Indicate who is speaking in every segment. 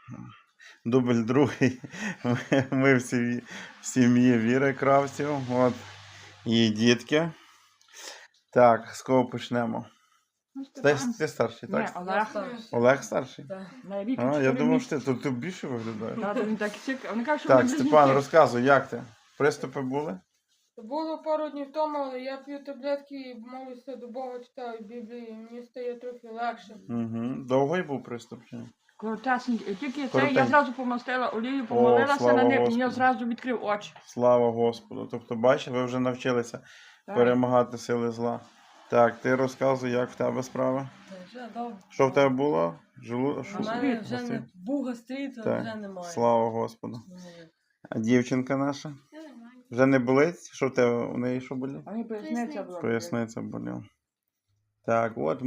Speaker 1: Дубль другий. Ми в сім'ї Віри Кравців. От її дітки. Так, з кого почнемо? Ти старший,
Speaker 2: Ні,
Speaker 1: так?
Speaker 2: Олег.
Speaker 1: Олег старший?
Speaker 2: На рік
Speaker 1: А, я
Speaker 2: чотири
Speaker 1: думав,
Speaker 2: місяці.
Speaker 1: що ти більше виглядаєш.
Speaker 2: Тато, він так цікавий. Вони кажуть, що
Speaker 1: Так,
Speaker 2: вони
Speaker 1: Степан,
Speaker 2: близнюки.
Speaker 1: розказуй, як ти? Приступи були?
Speaker 3: Було пару днів тому, але я п'ю таблетки і молюся до Бога, читаю Біблію, і мені стає трохи легше.
Speaker 1: Угу. Довгий був приступ? Чи ні?
Speaker 2: Коротесенький. Тільки це
Speaker 1: Коротенький.
Speaker 2: я зразу помастила олію, помолилася
Speaker 1: слава
Speaker 2: на них, і
Speaker 1: Господу.
Speaker 2: я зразу відкрив очі.
Speaker 1: Слава Господу. Тобто, бачиш, ви вже навчилися
Speaker 2: Так.
Speaker 1: перемагати сили зла. Так, ти розказуй, як в тебе справа?
Speaker 4: Вже добре.
Speaker 1: Що в тебе було?
Speaker 4: У мене вже не був гастрит, а вже
Speaker 1: Так,
Speaker 4: немає.
Speaker 1: слава Господу. А дівчинка наша? Вже не болить? Що в тебе? У неї що болить?
Speaker 2: А мені поясниця була.
Speaker 1: Поясниця боліла. Так, от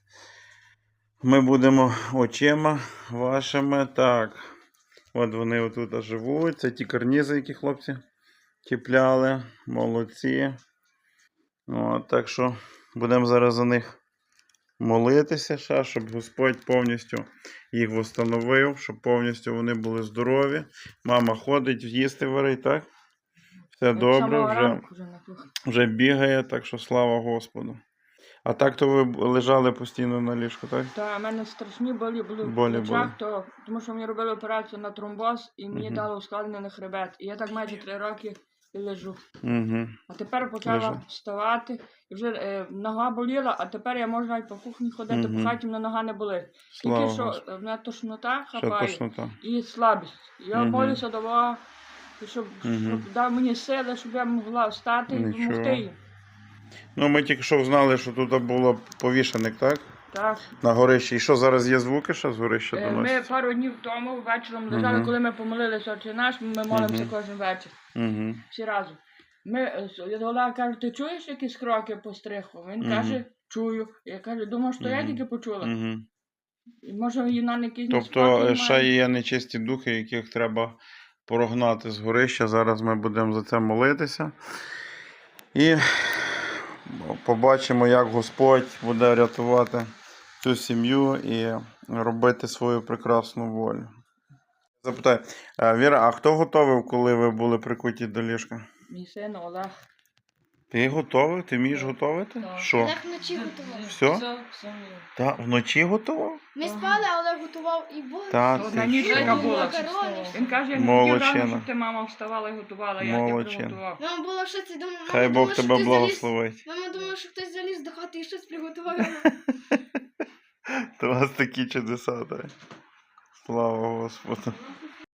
Speaker 1: ми будемо очима вашими. Так. От вони отут живуть. Це ті карнізи, які хлопці чіпляли. Молодці. От, так що будемо зараз за них молитися, ще, щоб Господь повністю їх встановив, щоб повністю вони були здорові. Мама ходить, їсти варить, так? Все добре, вже бігає, так що слава Господу. А так то ви лежали постійно на ліжку, так?
Speaker 2: Та в мене страшні болі були в
Speaker 1: Болі
Speaker 2: плечах, тому що мені робили операцію на тромбоз і мені
Speaker 1: Мгм.
Speaker 2: дали ускладнений хребет. І я так майже 3 роки і лежу.
Speaker 1: Угу.
Speaker 2: А тепер почала
Speaker 1: Лежу.
Speaker 2: вставати, і вже нога боліла, а тепер я можу навіть по кухні ходити,
Speaker 1: Мгм.
Speaker 2: по хаті мене нога не болить.
Speaker 1: Слава
Speaker 2: Тільки що
Speaker 1: Господу.
Speaker 2: в мене тошнота
Speaker 1: Ще
Speaker 2: хапає
Speaker 1: тошнота.
Speaker 2: і слабість. Я
Speaker 1: Мгм.
Speaker 2: молюся до Бога, щоб
Speaker 1: Мгм.
Speaker 2: дав мені сили, щоб я могла встати і
Speaker 1: Нічого.
Speaker 2: допомогти їм.
Speaker 1: Ну, ми тільки що знали, що тут було повішеник, так?
Speaker 2: Так.
Speaker 1: На горищі. І що, зараз є звуки, що з горища
Speaker 2: Ми
Speaker 1: доносять?
Speaker 2: пару днів тому вечором лежали,
Speaker 1: Мгм.
Speaker 2: коли ми помолилися Отче наш, ми молимося
Speaker 1: Мгм.
Speaker 2: кожен вечір.
Speaker 1: Угу.
Speaker 2: Всі разом. Олег каже, ти чуєш якісь кроки по стриху? Він
Speaker 1: Мгм.
Speaker 2: каже, чую. Я кажу, думав, що я
Speaker 1: Мгм.
Speaker 2: тільки почула.
Speaker 1: Угу.
Speaker 2: І може її на якийсь
Speaker 1: Тобто ще є нечисті духи, яких треба прогнати з горища. Зараз ми будемо за це молитися. І побачимо, як Господь буде рятувати цю сім'ю і робити свою прекрасну волю. Запитай, Віра, а хто готовив, коли ви були прикуті до ліжка?
Speaker 2: Мій син Олег.
Speaker 1: Ти готовий? Ти вмієш готувати?
Speaker 4: Так.
Speaker 1: Що?
Speaker 5: Олег вночі готував.
Speaker 1: Все? Та, вночі готував?
Speaker 5: Ми спали, а Олег готував і борщ.
Speaker 1: Та,
Speaker 2: От
Speaker 1: ти
Speaker 2: на ніч
Speaker 1: що?
Speaker 2: така була.
Speaker 5: Макарони.
Speaker 2: Він каже, я не
Speaker 1: Молодчина.
Speaker 2: хотів рано, щоб ти мама вставала і готувала, я
Speaker 1: Молодчина.
Speaker 2: приготував.
Speaker 5: Мама була в шоці, думала,
Speaker 1: Хай
Speaker 5: мама
Speaker 1: Бог
Speaker 5: думала, що
Speaker 1: тебе
Speaker 5: хтось
Speaker 1: благословить.
Speaker 5: Мама думала, що хтось заліз до хати і щось приготував.
Speaker 1: То у вас такі чудеса, так? Слава Господу.